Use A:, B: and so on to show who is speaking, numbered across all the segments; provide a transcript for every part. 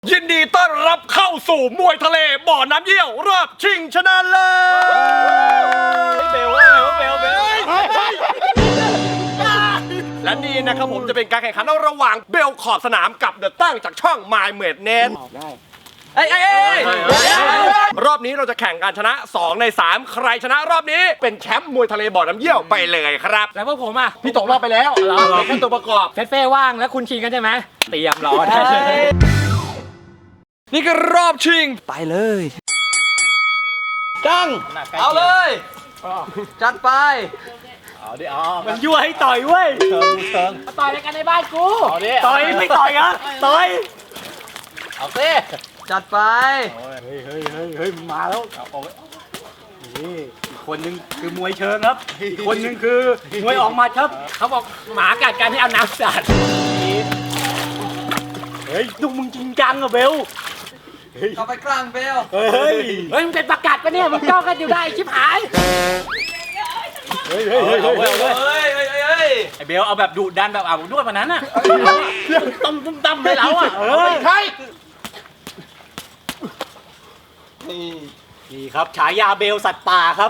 A: ยินดีต้อนรับเข้าสู่มวยทะเลบ่อน้ำเยี่ยวรอบชิงชนะเลิศเบลและนี่นะครับผมจะเป็นการแข่งขันระหว่างเบลขอบสนามกับเดอะตั้งจากช่อง My m a d e n รอบนี้เราจะแข่งการชนะ2ใน3ใครชนะรอบนี้เป็นแชมป์มวยทะเลบ่อน้ำเยี่ยวไปเลยครับ
B: แล้วพวกผมอ่ะ
A: พี่ตกรอบไปแล้วเป็นแค่ตัวประกอบ
B: เฟ่ว่างแล้วคุณชิงกันใช่ไหมเตรียมรอได้เลย
A: นี่ก็รอบชิงไปเลยจังเอาเลยจัดไป
B: เอาดิมันยั่วให้ต่อยเว้ยเชิงมาต่อยกันในบ้านกูต่อยไม่ต่อยอ่ะต่อย
A: เอาสิจัดไป
B: เฮ้ยมันมาแล้วเอาไว้นี่อีกคนนึงคือมวยเชิงครับอีกคนนึงคือมวยออกมาครับเขาบอกหมากัดกันให้เอาน้ำสาดเฮ้ยดูมึงจริงจังอะเบล
A: เข้าไปกลางเบล
B: เฮ้ยมึงเป็นประกาศปะเนี่ยมึงจ้องกันอยู่ได้ชิบหายเฮ้ยไอเบลเอาแบบดุดันแบบอาบนวดวันนั้นน่ะตั้มเลยเราอ่ะ
A: ใช่
B: นี่ครับฉายาเบลสัตว์ป่าครับ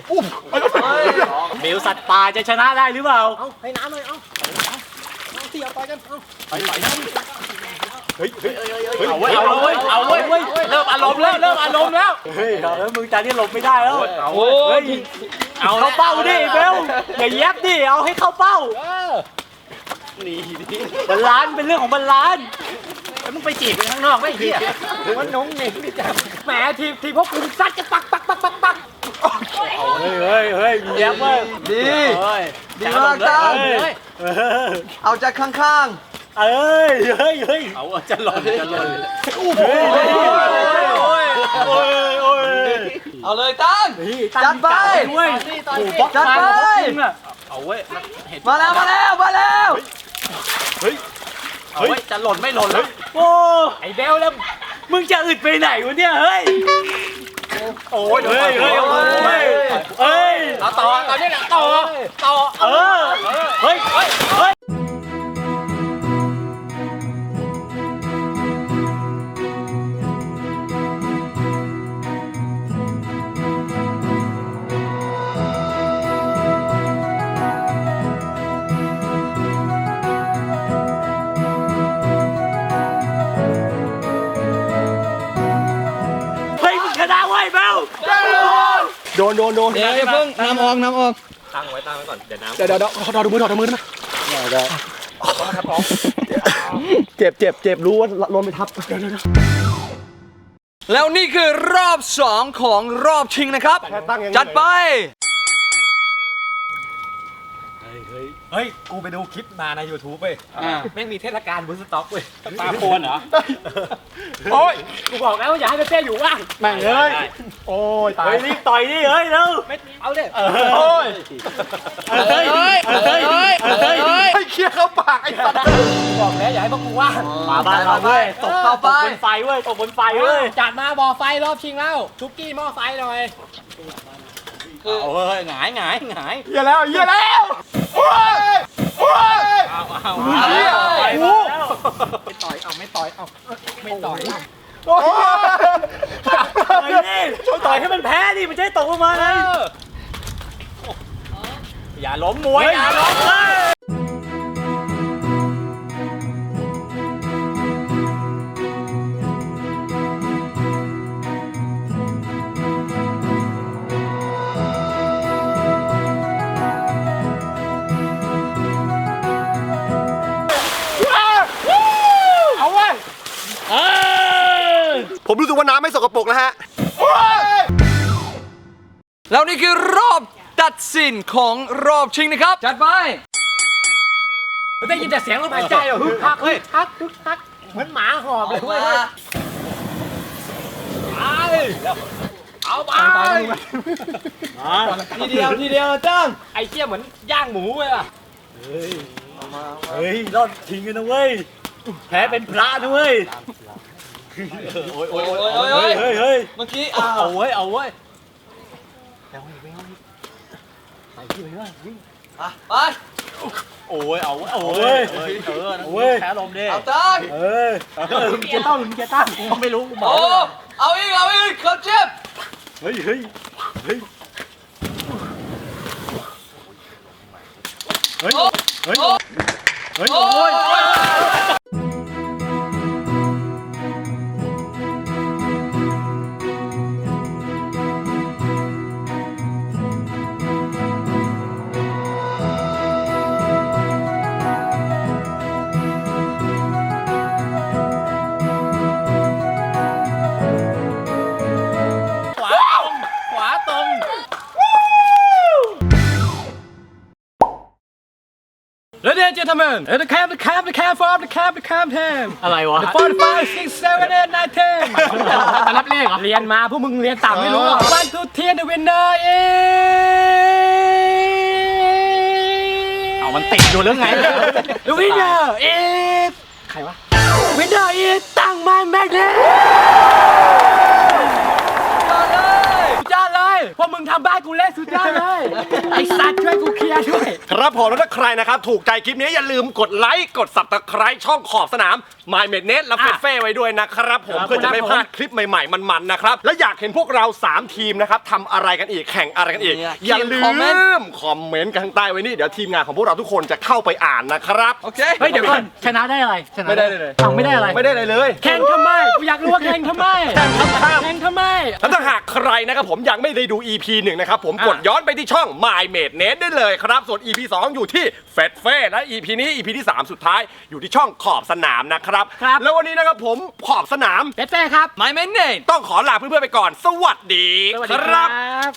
B: เบลสัตว์ป่าจะชนะได้หรือเปล่าเอาให้น้ำเลยเอาเสียไปกันไปน้ำเฮ้ยเอาเว้ยเริ่มอารมณ์แล้วเฮ้ยมึงจานนี้หลบไม่ได้แล้วเอาเข้าเป้าดิเบลอย่าแยบดิเอาให้เข้าเป้านี่บาลานซ์เป็นเรื่องของบาลานซ์แล้วมึงไปจีบไปข้างนอกไม่เหี้ยมันน้องเหน่งนี่จ้ะแหมทีพวกคุณซัดจะปักเฮ้ยแยบเว้ย
A: ดีมากจ้าเอาจากข้าง
B: เฮ้ยเอาจะหล่น
A: เอาเลยตั้งจัดไป
B: จัดไป
A: เอาเว้ยมาแล้ว
B: เฮ้ยจะหล่นไม่หล่นแล้วโอ้ไอ้เบลแล้วมึงจะอึดไปไหนวะเนี่ยเฮ้ยโอ้ยเฮ้ยต่อตอนนี้แหละต่อเฮ้ยชนะไว้เบลโดน
A: เดี๋ยวเพิ่งน้ำออก
B: ตั้งไว้ก่อนเดี๋ยวน้ำ
A: เดี๋ยวถอดมือได้ไหมได้เจ็บรู้ว่าลมไปทับแล้วนี่คือรอบ2ของรอบชิงนะครับจัดไป
B: เฮ้ยกูไปดูคลิปมาใน YouTube เว้ยแม่งมีเทศกาลบูสต็อกเว้ยปลาโคนเหรอโอ้ยกูบอกแล้วอย่าให้เต้อยู่ว่าง
A: แม่งเลยโอ้ยตาย
B: รีบต่อยดิเฮ้ยเร็วเอาดิ
A: โอ้ยให้เคลียร์เข้าปากไอ้สัตว์
B: บอกแล้วอย่าให้พวกกูว่างมาบ้านเราเว้ยตกบนไฟเว้ยจัดมาบ่อไฟรอบชิงแล้วทุกกี้หม้อไฟหน่อยเอาเฮ้ยหงาย
A: เหี้ยแล้วโอ้ย
B: เอาไม่ต่อยไม่ต่อยโอ้ยนี่ต่อยให้มันแพ้ดิมันจะได้ตกลงมาเลยอย่าล้มมวยอย่าล้มเลย
A: ผมรู้สึกว่าน้ำไม่สกปรกแล้วฮะแล้วนี่คือรอบตัดสินของรอบชิงนะครับจัดไป
B: ได้ยินแต่เสียงลมหายใจเหรอฮักเหมือนหมาหอบเลยเว้ยเอาไป
A: ทีเดียวจ้าง
B: ไอ้เจี๊ยเหมือนย่างหมูเลยอ่ะเฮ้ยรอดทิ้งกันนะเว้ยแพ้เป็นพระนะเว้ยโอ้ย
A: เมื่อกี้
B: เอาเว้ยไปที่ไปวิ่ง
A: ไป
B: โอ้ยเอาโอ้ยแพ้ลมดิ
A: เอาตั้ง
B: หลุมเกียร์ตั้งหลุมเกียร์ตั้งกูไม่รู้กูบอก
A: โอ้เอาอีกเขาเจ็บ
B: เฮ้ย
A: โอ้โอ้ย
B: ขวาตรง
A: Ladies and gentlemen, the cam time.
B: อะไรวะ
A: The 45, 6, 7, 8, 9, 10.
B: นับเลขเหรอ
A: เรียนมาพวกมึงเรียนต่ำไม่รู้หรอก One, two, three, the winner is
B: เอามันติดอยู่หรือไง
A: The winner is ใครวะ Winner is ตั้งมันแม็กเนสสุดยอดเลยพวกมึงทำบ้านกูเละสุดยอดเลย ไอ้สัตว์ช่วยกูเคลียร์ด้วย
C: ครับผมแล้วถ้าใครนะครับถูกใจคลิปนี้อย่าลืมกดไลค์กด Subscribe ช่องขอบสนาม My m e d n e t และเฟ่ไว้ด้วยนะครับผมเพื่อจะไม่พลาดคลิปใหม่ๆมันๆนะครับและอยากเห็นพวกเรา3ทีมนะครับทำอะไรกันอีกแข่งอะไรกันอีกอย่าลืมคอมเมนต์กันข้างใต้ไว้นี่เดี๋ยวทีมงานของพวกเราทุกคนจะเข้าไปอ่านนะครับ
A: โอเค
B: เฮ้ยเดี๋ยวก่อนชนะได้อะไรชนะ
C: ไม่ได้เลย
B: ไม่ได้อะไร
C: ไม่ได้อะไรเลย
A: แข่งทำไม กูอยากรู้ว่าแข่งทำไม แข่งทำไม
C: แล้วถ้าหากใครนะครับผมยังไม่ได้ดู EP 1นะครับผมกดย้อนไปที่ช่อง My m a d n e t ได้เลยครับส่วน EP 2 อยู่ที่เฟดเฟ่และ EP นี้ EP ที่ 3 สุดท้ายอยู่ที่ช่องขอบสนามนะครับ
A: ครับ
C: แล้ววันนี้นะครับผมขอบสนาม
A: เฟเฟ่ครับ My m a n name
C: ต้องขอลาเพื่อนๆไปก่อน สวัสดี
A: สวัส
C: ค
A: ดีค
C: รั
A: รับ บ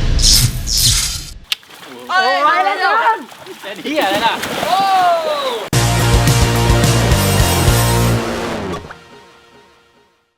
A: โอ้ยแล้ว
B: เฮียอะไรล่ะ
A: โอ้